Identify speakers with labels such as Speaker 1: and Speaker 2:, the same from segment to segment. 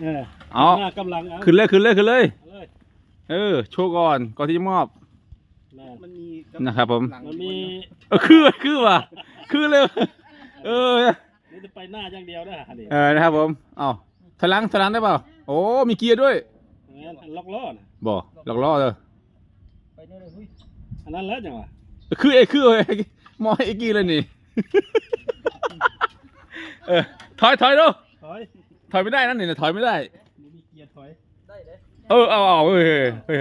Speaker 1: เอา
Speaker 2: กำลัง
Speaker 1: ขึ้นเลยโชว์ก่อนที่จะมอบ
Speaker 2: มันมี
Speaker 1: นะครับผม
Speaker 2: มันมี
Speaker 1: คือว่ะคือเลย
Speaker 2: นี่จะไปหน้าอย่างเดียวนะ
Speaker 1: นะครับผมเอาถลังได้เปล่าโอ้มีเกียร์ด้วย
Speaker 2: ล็อกล้อนะ
Speaker 1: บ่ล็อกล้อเลย
Speaker 2: ไปนี่เลยอันนั้นแล้วจังวะ
Speaker 1: คือมอไอ้กี้เลยนี่ถอยดูถอยไม่ได้นั่นนี่ถอยไม่ได้
Speaker 2: มีเกียร์ถอยได้เลย
Speaker 1: เอาถอย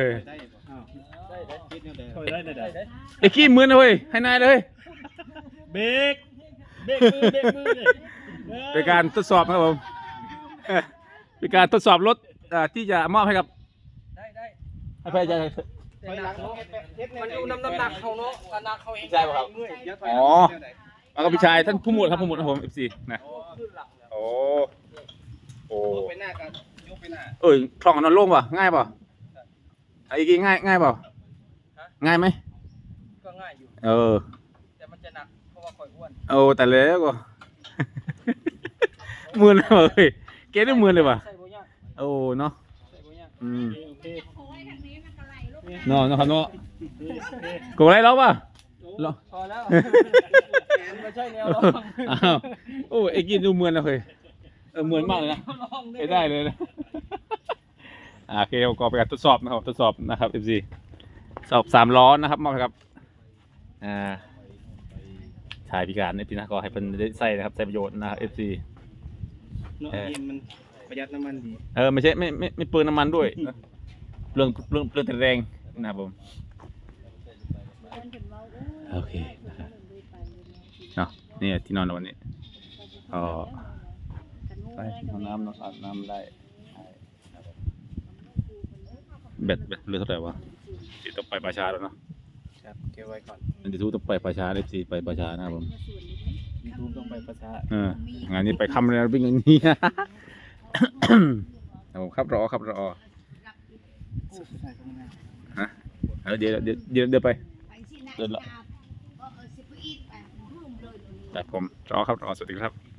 Speaker 2: ได้
Speaker 1: ไอ้กี้มือนะเว้ยให้นายเลย
Speaker 2: เบรกมือเลย
Speaker 1: เป็นการทดสอบครับผมเป็นการทดสอบรถที่จะมอบให้กับให้พยาใจ
Speaker 2: มันดูน้ำหนักเขาเนาะน้ำหนักเขาเอง
Speaker 1: ใช่ป่ะครับอ๋อแล้วก็พี่ชายท่านผู้หมวดครับผม FC นะโอ้
Speaker 2: ไปหน้ากันยกไปหน้า
Speaker 1: คล่องนอนโล่งป่ะง่ายป่ะไอ้กี้ง่ายป่ะง่ายไหม
Speaker 2: ก็ง่ายอยู่แต่มันจะหนักเพราะว่าข่อยอ้วน
Speaker 1: แต่แล้วก็มือเลยเกณฑ์ได้มือเลยป่ะเนาะเนาะครับเนาะกูอะไรแล้วป่ะ
Speaker 2: พอแล้วไม่ใช่แนว
Speaker 1: ไอ้กี้ดูเหมือนนะเฮ้ยเหมือนมากเลยนะได้เลยนะโอเคก็ไปการทดสอบนะครับ FC สอบ3 ล้อนะครับมอบครับชายพิการในปีหน้าก็ให้เป็นได้ใส่นะครับใช้ประโยชน์นะครับ FC
Speaker 2: มันประหยัดน้ำมันดี
Speaker 1: ไม่ใช่ไม่เปลืองน้ำมันด้วยเปลืองแต่แรงนะครับผมโอเคนะครับเนาะนี่ที่นอนวันนี้ไปห้องน้ำอาบน้ำได้เบ็ดเรือเท่าไหร่วะติดต้องไปประชาแล้วเนาะ
Speaker 2: ครับเก็บไว้ก่อน
Speaker 1: เดี๋ยวต้องไปประชาFCไปประชานะครับผม
Speaker 2: ต้องไปประช
Speaker 1: างานนี้ไปคำเลยวิ่งอย่างนี้ครับรอฮะเดี๋ยวไปเดินละแต่ผมรอสวัสดีครับ